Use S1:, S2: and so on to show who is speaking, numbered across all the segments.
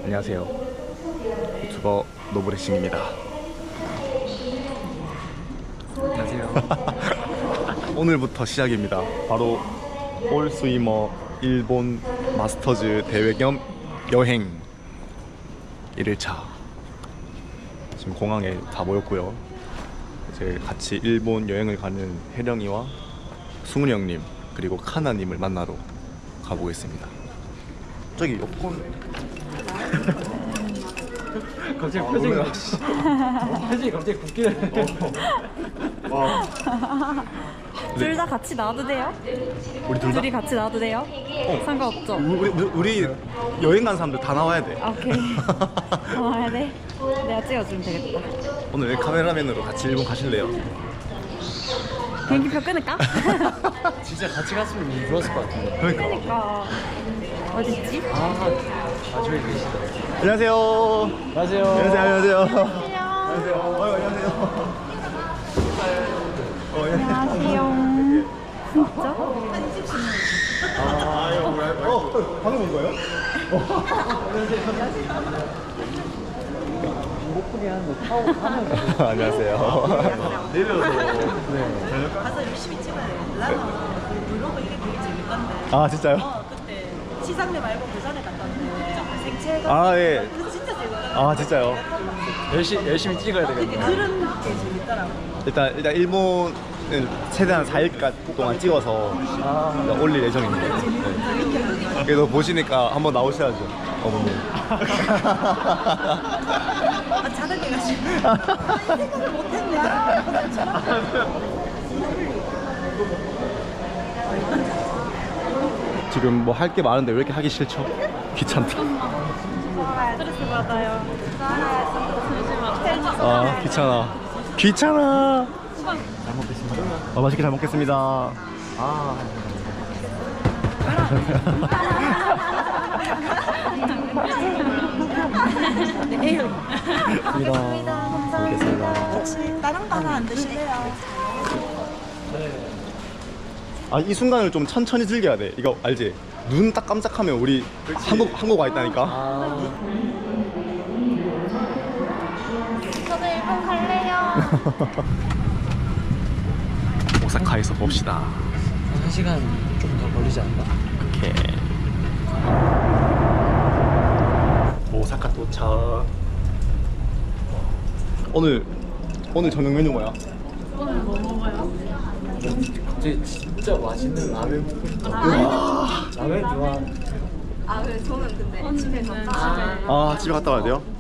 S1: 안녕하세요. 유튜버 노브레싱입니다.
S2: 안녕하세요.
S1: 오늘부터 시작입니다. 바로 올 스위머 일본 마스터즈 대회 겸 여행 1일차. 지금 공항에 다 모였고요. 이제 같이 일본 여행을 가는 혜령이와 승훈이 형님 그리고 카나님을 만나러 가보겠습니다. 저기 여권
S2: 갑자기 표정이 갑자기 굳기는.
S3: 둘 다 같이 나와도 돼요?
S1: 우리 둘 다?
S3: 둘이 같이 나와도 돼요? 상관없죠?
S1: 우리 여행 간 사람들 다 나와야 돼.
S3: 아, 오케이. 나와야 돼? 내가 찍어주면 되겠다.
S1: 오늘 카메라맨으로 같이 일본 가실래요?
S3: 비행기표 끊을까?
S2: 진짜 같이 갔으면 좋았을 것 같은데.
S1: 그러니까.
S3: 어딨지?
S2: 저기 계시다.
S1: 안녕하세요.
S2: 안녕하세요.
S1: 안녕하세요.
S3: 안녕하세요. 안녕하세요. 진짜?
S1: 방금 온 거예요?
S2: 목소리 하는 거 타고 하면.
S1: 안녕하세요.
S2: 내려서.
S4: 가서 열심히 찍어야 돼. 라마 블로그 이게 되게 재밌던데.
S1: 아 진짜요?
S4: 그때 시상대 말고 그 전에 갔다 왔는데 생체가.
S1: 아 예.
S4: 그거 진짜 재밌더라고.
S1: 아 진짜요?
S2: 열심히 찍어야 되겠네.
S4: 그런 게 재밌더라고.
S1: 일단 일본은 최대한 4일 동안 찍어서 올릴 예정입니다. 네. 그래도 보시니까 한번 나오셔야죠, 어머님.
S4: 아, 자덕해가지고. 이 생각을 못했냐?
S1: 지금 뭐 할 게 많은데 왜 이렇게 하기 싫죠? 귀찮다.
S3: 스트레스 받아요.
S1: 아 귀찮아. 귀찮아. 잘 먹겠습니다. 맛있게 잘 먹겠습니다. 감사합니다.
S4: 혹시 다른 거 하나 안 드실래요?
S1: 아 이 순간을 좀 천천히 즐겨야 돼. 이거 알지? 눈 딱 깜짝하면 우리 한국 와 있다니까.
S3: 저도 일본 갈래요.
S1: 오사카에서 봅시다.
S2: 1시간 좀 더 걸리지 않나?
S1: 오케이. 오사카 도착. 오늘 저녁 메뉴 뭐야?
S2: 진짜 맛있는 라면 먹고 싶다. 라면 좋아.
S4: 아, 그래. 저는 근데 집에 갔다.
S1: 아 집에 갔다 와야 돼요?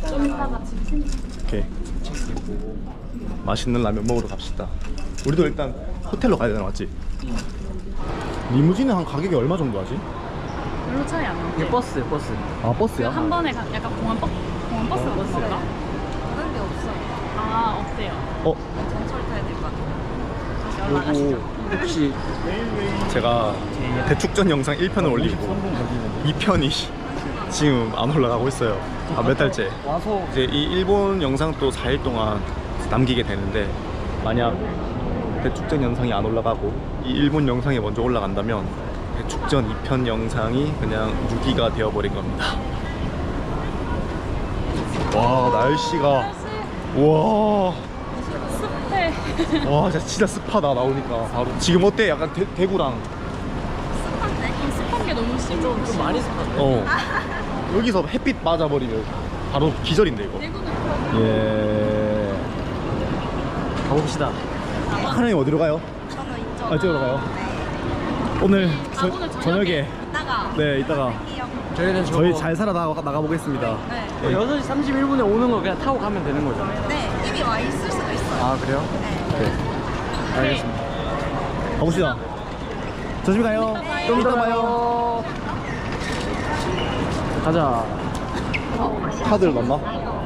S1: 오케이. 맛있는 라면 먹으러 갑시다. 우리도 일단 호텔로 가야 되나 맞지? 리무진은 한 가격이 얼마 정도 하지?
S5: 별로 차이 안 나요.
S2: 이게 버스.
S1: 아 버스야?
S5: 한 번에 약간 공원 버스 같은 가?
S4: 다른 게 없어요.
S5: 아, 없대요.
S4: 전철 타야 될 것 같아요.
S5: 다시 올라가시죠.
S2: 혹시
S1: 제가 대축전 영상 1편을 올리고 2편이 지금 안 올라가고 있어요. 몇 달째.
S2: 와서
S1: 이제 이 일본 영상 또 4일 동안 남기게 되는데 만약 대축전 영상이 안 올라가고 이 일본 영상이 먼저 올라간다면 대축전 2편 영상이 그냥 유기가 되어버린 겁니다. 와 날씨가 와.
S5: 습해.
S1: 와 진짜 습하다 나오니까 바로. 지금 어때? 약간 대구랑
S5: 습한 게 너무 심해.
S2: 좀 많이 습한데.
S1: 여기서 햇빛 맞아버리면 바로 기절인데 이거. 예.
S2: 가봅시다.
S1: 하나님 어디로 가요?
S4: 저는 이쪽.
S1: 아 이쪽으로 가요. 오늘
S5: 오늘
S1: 저녁에
S4: 이따가.
S1: 네 이따가
S2: 저희는
S1: 저희 잘 살아 나가 보겠습니다.
S4: 네.
S2: 6시 31분에 오는 거 그냥 타고 가면 되는 거죠?
S4: 네. 이미 와 있을 수도 있어요.
S2: 아 그래요?
S4: 네.
S2: 알겠습니다.
S1: 가봅시다. 조심히 가요.
S2: 좀 이따 봐요. 가자.
S1: 카드를 넣나?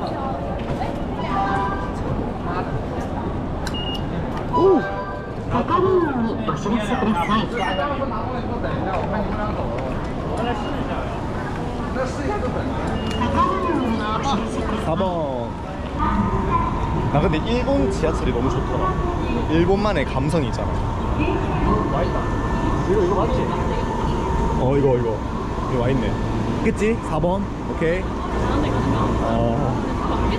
S1: 오. 4번. 나 근데 일본 지하철이 너무 좋더라. 일본만의 감성이 있잖아.
S2: 이거 맞지?
S1: 이거 와있네. 그치? 4번. 오케이. 오케이.
S5: 그런 데 가면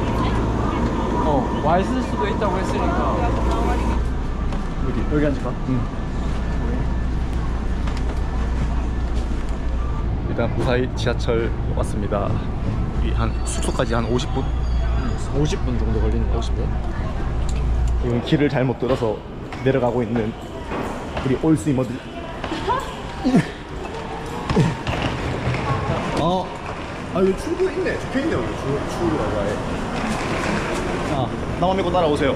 S5: 맞겠지?
S2: 와 있을 수도 있다고 했으니까. 여기 앉을까?
S1: 일단 무사히 지하철 왔습니다. 한 숙소까지 한 50분?
S2: 50분 정도 걸리는 거. 50분?
S1: 이건 길을 잘못 들어서 내려가고 있는 우리 올스위머들. 이거 출구 있네. 적혀있네 여기. 출구라고 아예. 자, 나만 믿고 따라오세요.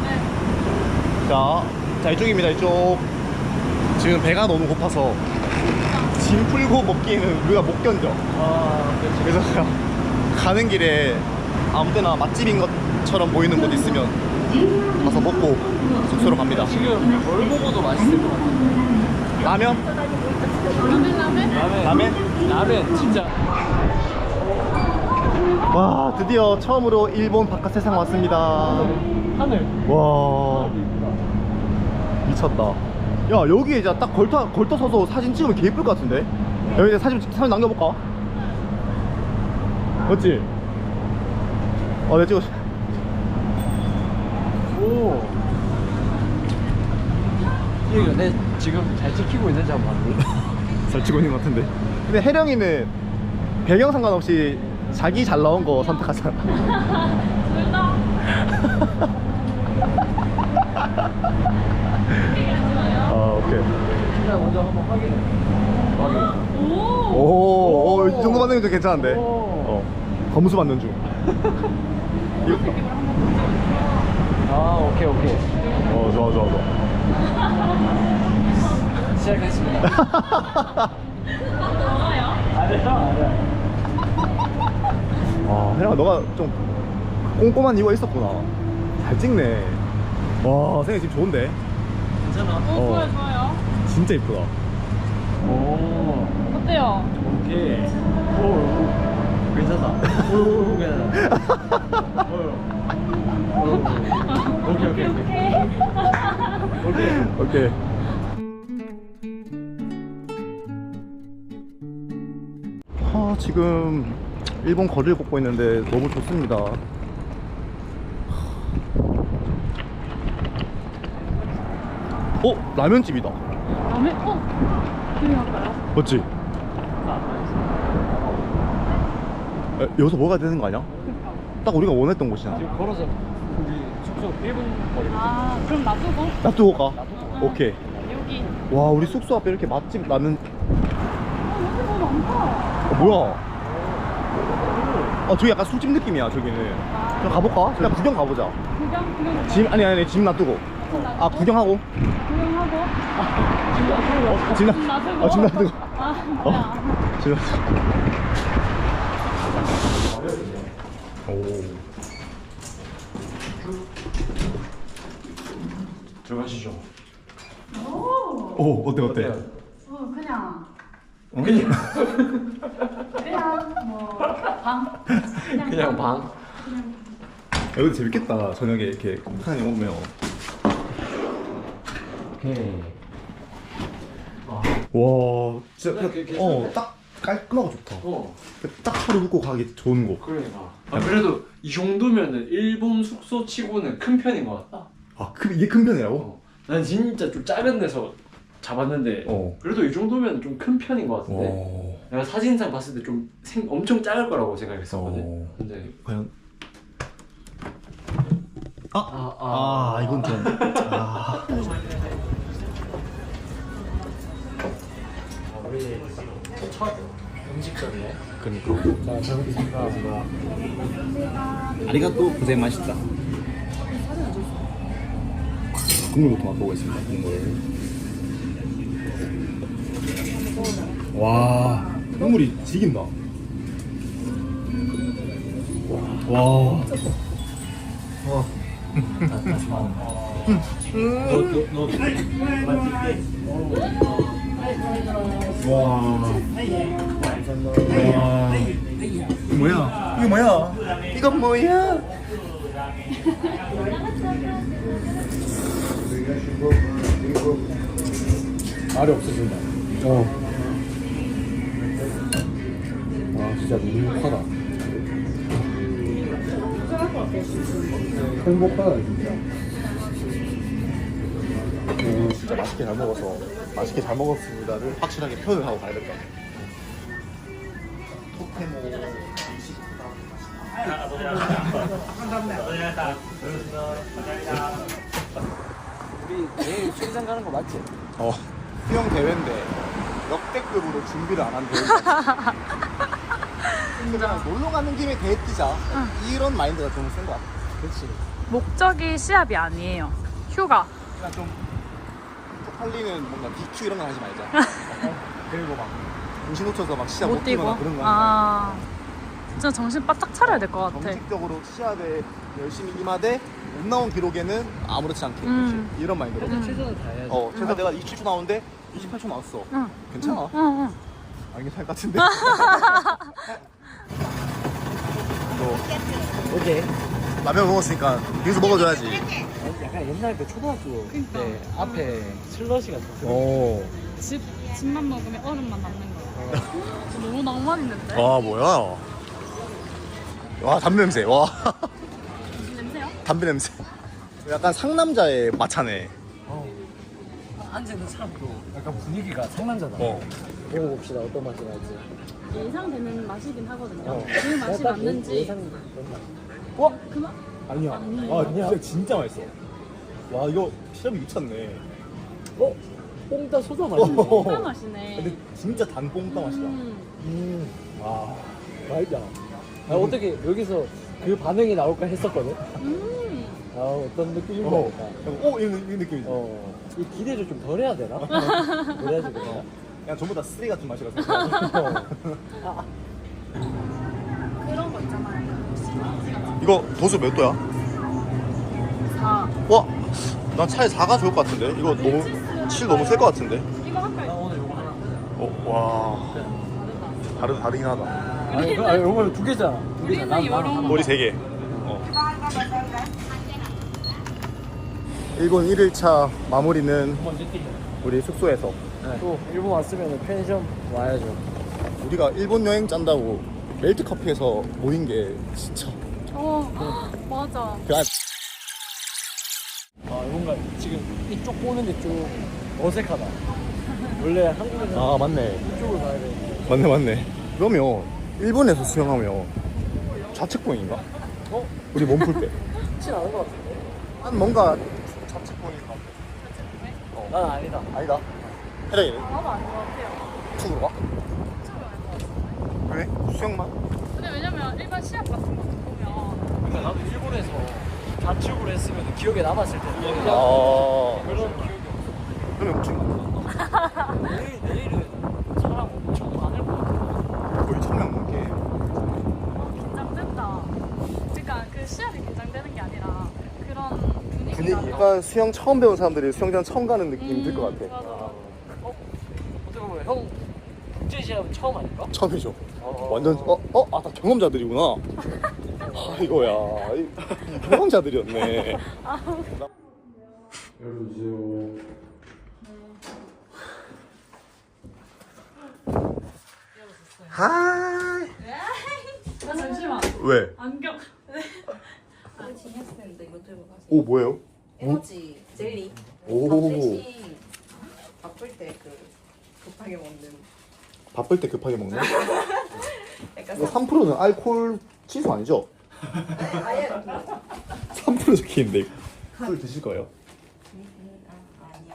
S1: 자, 이쪽입니다. 이쪽. 지금 배가 너무 고파서 짐 풀고 먹기에는 우리가 못 견뎌.
S2: 그렇지.
S1: 그래서 그냥 가는 길에 아무 때나 맛집인 것처럼 보이는 곳 있으면 가서 먹고 숙소로 갑니다.
S2: 지금 뭘 먹어도 맛있을 것 같은데.
S1: 라면?
S2: 라면 진짜.
S1: 와, 드디어 처음으로 일본 바깥 세상 왔습니다.
S2: 하늘.
S1: 와, 미쳤다. 야, 여기 이제 딱 걸터 서서 사진 찍으면 개 예쁠 것 같은데? 여기 이제 사진 남겨볼까? 맞지? 내가 찍었어.
S2: 오. 이거 내 지금 잘 찍히고 있는지 한번 봤니?
S1: 잘 찍고 있는 것 같은데. 근데 혜령이는 배경 상관없이 자기 잘 나온 거 선택하잖아.
S5: 둘 다.
S1: 오케이.
S2: 일단 먼저 한번 확인해.
S5: 오.
S1: 이 정도 받는 게 괜찮은데.
S2: 오.
S1: 검수 받는 중.
S2: 오케이.
S1: 좋아.
S2: 시작했습니다.
S5: 뭐가요?
S2: 아니야.
S1: 혜령아, 너가 좀 꼼꼼한 이유가 있었구나. 잘 찍네. 와, 생각 지금 좋은데?
S2: 괜찮아.
S5: 좋아요.
S1: 진짜 이쁘다.
S2: 오.
S5: 어때요?
S2: 오케이. 오. 괜찮다. 오, 괜찮다. 오케이.
S1: 오케이. 지금 일본 거리를 걷고 있는데 너무 좋습니다. 라면집이다.
S5: 라면? 들어갈까요?
S1: 맞지? 여기서 먹어야 되는 거 아니야? 딱 우리가 원했던 곳이잖아.
S2: 지금 걸어서 우리 숙소 1분 거리.
S5: 그럼 놔두고
S1: 놔두고 가. 오케이.
S5: 여기.
S1: 와, 우리 숙소 앞에 이렇게 맛집 라면.
S5: 여기 너무 많다.
S1: 뭐야? 저기 약간 술집 느낌이야. 저기는. 그럼 가볼까? 그냥 구경 가보자.
S5: 구경.
S1: 짐 놔두고. 구경하고.
S5: 구경하고.
S1: 짐
S5: 놔두고.
S1: 짐 놔두고.
S5: 뭐야.
S1: 짐 놔두고.
S2: 들어가시죠.
S1: 어때?
S5: 그냥.
S2: 그냥
S5: 뭐 방.
S2: 그냥 방.
S1: 여기 재밌겠다. 저녁에 이렇게 북한에 오면.
S2: 오케이.
S1: 와, 진짜
S2: 괜찮네.
S1: 딱 깔끔하고 좋다.
S2: 어.
S1: 딱 하루 묵고 가기 좋은 곳.
S2: 그러니까. 그래도 이 정도면은 일본 숙소 치고는 큰 편인 것 같다.
S1: 이게 큰 편이라고?
S2: 난 진짜 좀 작은 데서 잡았는데 그래도 이 정도면 좀 큰 편인 것 같은데. 내가 사진상 봤을 때 좀 엄청 작을 거라고 생각했었거든. 근데
S1: 과연. 이건 좀.
S2: 우리 첫 음식점이네.
S1: 그러니까.
S2: 자, 잘 먹겠습니다.
S1: 아리가또 고생 맛있다. 국물부터 맛보겠습니다. 국물. 와, 국물이 지긴다. 와. 이건 뭐야?
S2: 알이 없어진다.
S1: 와, 진짜 행복하다. 행복하다 진짜. 오, 진짜 맛있게 잘 먹어서 맛있게 잘 먹었습니다를 확실하게 표현을 하고 가야 될 것 같아. 토테모.
S2: 우리 내일 수영장 가는 거 맞지?
S1: 수영 대회인데 역대급으로 준비를 안 한 대회. 그냥 놀러 가는 김에 대회 뛰자. 이런 마인드가 좀 센 것 같아.
S2: 그렇지.
S3: 목적이 시합이 아니에요. 휴가.
S1: 그냥 좀 쪽팔리는 뭔가 DQ 이런 거 하지 말자. 그리고 막 정신 놓쳐서 막 시합 못
S3: 못 뛰고.
S1: 뛰거나 그런 거 하지
S3: 아, 진짜 정신 바짝 차려야 될 것
S1: 말자.
S3: 같아.
S1: 정식적으로 시합에 열심히 임하되 못 나온 기록에는 아무렇지 않게 이런 마인드로.
S2: 최선을 다해야지.
S1: 제가 내가 27초 나오는데 28초 나왔어.
S3: 응.
S1: 괜찮아.
S3: 응.
S1: 안 괜찮을 것 같은데.
S2: 오케이.
S1: 라면 먹었으니까 여기서 먹어줘야지.
S2: 약간 옛날 그 초등학교 때 앞에 슬러시가 있었어.
S3: 집만 먹으면 얼음만 남는 거야. 너무 낭만 있는데?
S1: 와 뭐야? 와 담배 냄새. 와
S3: 무슨 냄새야?
S1: 담배 냄새. 약간 상남자의 마차네.
S2: 앉아있는 사람도 약간 분위기가 상남자다. 먹어봅시다. 어떤 맛이 날지.
S3: 예상되는 맛이긴 하거든요. 그
S2: 약간
S3: 맛이 맞는지.
S2: 예상
S3: 그 맛?
S1: 아니야.
S3: 아니야.
S1: 진짜 맛있어. 와 이거 시럽이 미쳤네.
S2: 뽕따 소다 맛이네.
S3: 그 맛이네.
S1: 근데 진짜 단 뽕따 맛이다. 와
S2: 맛있다. 어떻게 여기서 그 반응이 나올까 했었거든. 어떤 느낌인지 알까.
S1: 이런 느낌이지.
S2: 이 기대를 좀 덜 해야 되나? 그래야지 되나?
S1: 그냥 전부 다 쓰레기 같은 맛이라서.
S3: 그런 거 있잖아요.
S1: 이거 도수 몇 도야?
S3: 4.
S1: 와, 난 차라리 4가 좋을 것 같은데. 이거 너무 7 너무 셀 것 같은데.
S3: 이거 할까요?
S2: 오늘 요거 하나.
S1: 와, 다르긴 하다.
S2: 아니 요거 두 개잖아. 두 개잖아.
S3: 우리는 요런
S1: 머리 3개. 일본 1일차 마무리는 우리 숙소에서.
S2: 또 일본 왔으면 편의점 와야죠.
S1: 우리가 일본 여행 짠다고 멜트 커피에서 모인 게 진짜.
S3: 맞아.
S2: 뭔가 지금 이쪽 보는데 좀 어색하다. 원래 한국에서
S1: 맞네.
S2: 이쪽으로 가야 되는데.
S1: 맞네. 그러면 일본에서 수영하면 좌측봉인가? 우리 몸 풀 때.
S2: 쉽진 않은 것 같은데.
S1: 난 뭔가 좌측봉인 것 같아.
S2: 난 아니다.
S1: 아니다. 해랑이는?
S3: 나도 아닌 것 같아요.
S1: 축으로 가? 그래? 수영만?
S3: 근데 왜냐면 일반 시합 같은 거 보면
S2: 그러니까 나도 일본에서 좌측으로 했으면 기억에 남았을 텐데. 그런 기억이 없어.
S1: 그러면 우측 맞나?
S2: 내일은 사람 엄청 많을 것 같아.
S1: 거의 1000명 넘게.
S3: 긴장된다. 그러니까 그 시합이 긴장되는 게 아니라 그런 분위기가
S1: 분위기가 수영 처음 배운 사람들이 수영장 처음 가는 느낌이 들 것 같아.
S3: 맞아.
S2: 어떻게 보면 형 국제 시합은 처음 아닐까?
S1: 처음이죠. 완전 다 경험자들이구나. 아이고야, 이 경험자들이었네.
S2: 열어주세요.
S1: 하이.
S3: 잠시만.
S1: 왜?
S3: 안경.
S4: 진행했는데 이거 들고 가세요.
S1: 오 뭐예요?
S4: 에너지 젤리.
S1: 오.
S4: 밥 대신 바쁠 때 급하게 먹는.
S1: 바쁠 때 급하게 먹는?
S4: 약간
S1: 이거 3%는 알코올 치수 아니죠?
S4: 아예
S1: 3% 적혀있는데 술 드실 거예요?
S4: 아니요.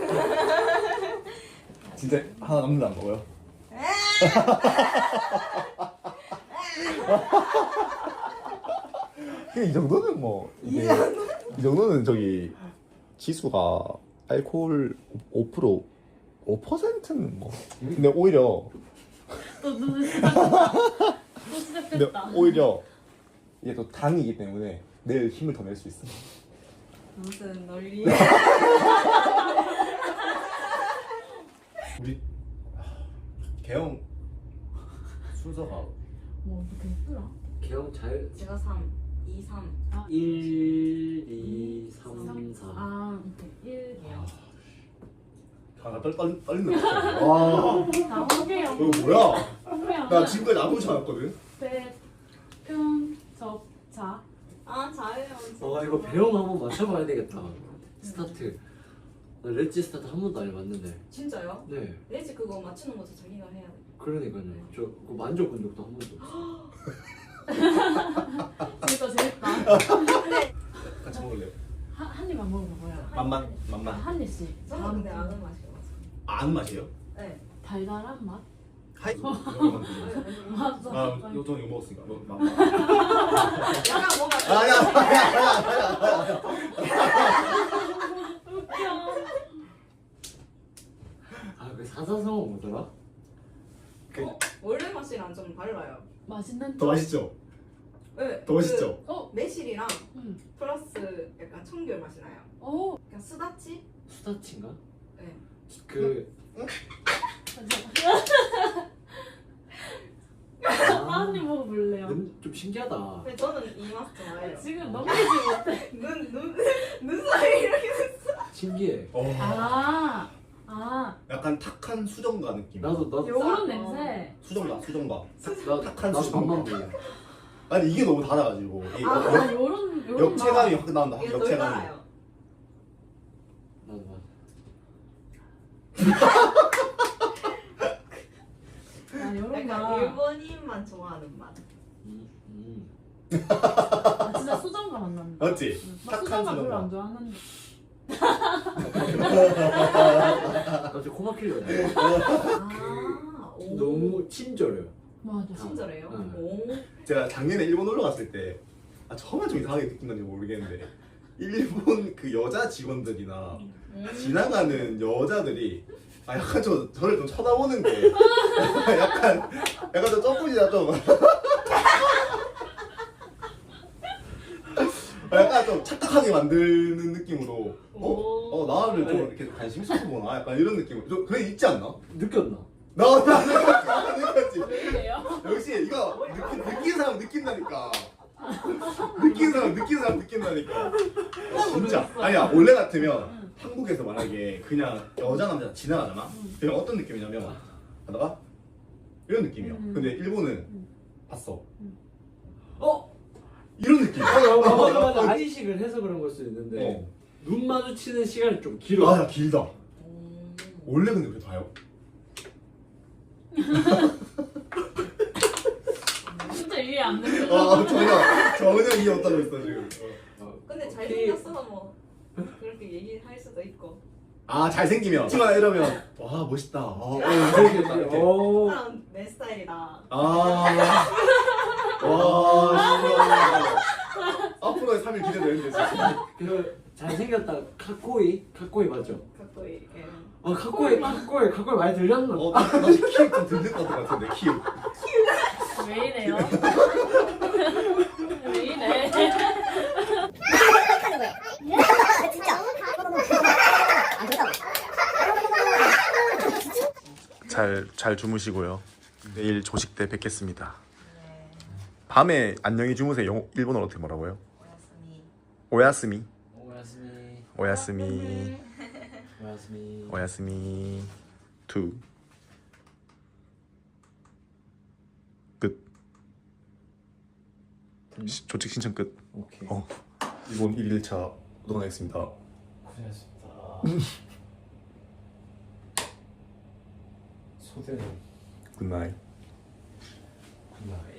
S1: 진짜 하나 남는다 안 먹어요? 이 정도는 뭐 이게 이 정도는 저기 지수가 알코올 5% 5%는 뭐 근데 오히려
S3: 또 시작했다.
S1: 근데 오히려 이게 또 당이기 때문에 내일 힘을 더 낼 수 있어.
S4: 무슨 논리?
S1: 우리 개영 순서가
S3: 뭐 어떻게 했더라?
S2: 개영 잘
S4: 제가 3, 2, 3.
S2: 1, 2, 3, 4.
S3: 아, 오케이. 1.
S1: 떨리는 거 같아. 와,
S5: 다 홍게요.
S1: 이거 뭐야?
S5: 홍게요.
S1: 나 지금까지 아무렇지 않았거든.
S5: 배평 접자.
S4: 아 잘해요.
S2: 이거 배영 한번 맞춰봐야 되겠다. 스타트. 나 렛지 스타트 한 번도 안 해봤는데.
S4: 진짜요?
S2: 네.
S4: 레지 그거 맞추는 것도 자기가 해야 돼.
S2: 그러니까요. 저 그거 만져본 적도 한 번도 없어.
S5: 재밌다.
S1: 같이 먹을래요?
S5: 한 입만 먹어봐요.
S1: 맛만.
S5: 한 입씩.
S4: 저는 근데 아는 맛이어서.
S1: 아는 맛이에요?
S4: 네.
S5: 달달한 맛?
S1: 하이.
S5: 맞아.
S1: 아, 저는 이거 먹었으니까. 맛만.
S4: 약간 뭔가
S1: 아니야.
S2: 그 사사성어 뭐더라?
S4: 원래 맛이랑 좀 달라요.
S5: 맛있는
S1: 더 맛있죠?
S4: 네.
S1: 더 맛있죠?
S4: 매실이랑
S5: 응.
S4: 플러스 약간 청귤 맛이 나요.
S5: 오.
S4: 그냥 스다치?
S2: 수다치인가?
S4: 네.
S2: 그
S5: 한 입 먹어볼래요.
S2: 좀 신기하다.
S4: 근데 저는 이 맛 좋아해요.
S5: 지금 넘기지 못해.
S4: 눈 사이 이렇게.
S2: 신기해.
S5: 아.
S1: 약간 탁한 수정가 느낌.
S2: 나도
S5: 요런 냄새.
S1: 수정가. 탁한
S2: 나도
S1: 수정가.
S2: 밥만 먹어.
S1: 아니 이게 너무 달아가지고 이
S5: 요런
S1: 역체감이 확 나온다.
S4: 이게 덜
S1: 역체감이.
S4: 달아요.
S2: 나도.
S5: 요런
S4: 약간
S5: 거.
S4: 일본인만 좋아하는 맛.
S5: 진짜 수정과 만난다.
S1: 맞지?
S5: 나 수정과 별로 안 좋아하는데.
S2: 갑자기 코 막히려네.
S4: 오.
S2: 너무 친절해요.
S5: 맞아.
S4: 친절해요.
S2: 응.
S4: 오.
S1: 제가 작년에 일본 놀러 갔을 때 처음에 좀 이상하게 느낀 건지 모르겠는데 일본 그 여자 직원들이나 지나가는 여자들이 약간 저를 좀 쳐다보는 게 약간 좀 쩍부지다 좀 약간 좀 착각하게 만드는 느낌으로 나를 좀 이렇게 관심 있어서 보나 약간 이런 느낌 좀 그래 있지 않나?
S2: 느꼈나?
S1: 나 느꼈지.
S5: 왜요?
S1: 역시 이거 느낀 사람 느낀다니까. 느낀 사람 느낀다니까. 진짜. 아니야 원래 같으면 한국에서 만약에 그냥 여자 남자 지나가잖아. 그냥 어떤 느낌이냐면 가다가 이런 느낌이야. 근데 일본은 봤어. 이런 느낌.
S2: 맞아. 아이식을 해서 그런 걸 수도 있는데 눈 마주치는 시간이 좀 길어.
S1: 아 길다. 원래 근데 그래 봐요.
S5: 진짜 이해 안 되는
S1: 전혀 이해 못하고 있어 지금.
S4: 근데 잘생겼어서 뭐 그렇게 얘기할 수도 있고.
S1: 아 잘생기면 치마 이러면 와 멋있다.
S2: 잘생겼다.
S4: 사람 내 스타일이다.
S1: 앞으로의 3일 기대되는데 진짜.
S2: 그 잘생겼다. 카코이 맞죠?
S4: 갖고 이렇게.
S2: 카코이 많이 들렸나?
S1: 나 키읔 좀 들릴 것 같은데 키읔.
S5: 왜 이래요? 왜 이래?
S1: 잘 주무시고요. 내일 조식 때 뵙겠습니다. 밤에 안녕히 주무세요. 일본어로 어떻게 뭐라고요? 오야스미. 오야스미. 투. 끝. 조직 신청 끝.
S2: 오케이.
S1: 일본 1일차 노동하겠습니다.
S2: 고생하셨습니다. 소대는
S1: 굿나잇.
S2: 굿나잇.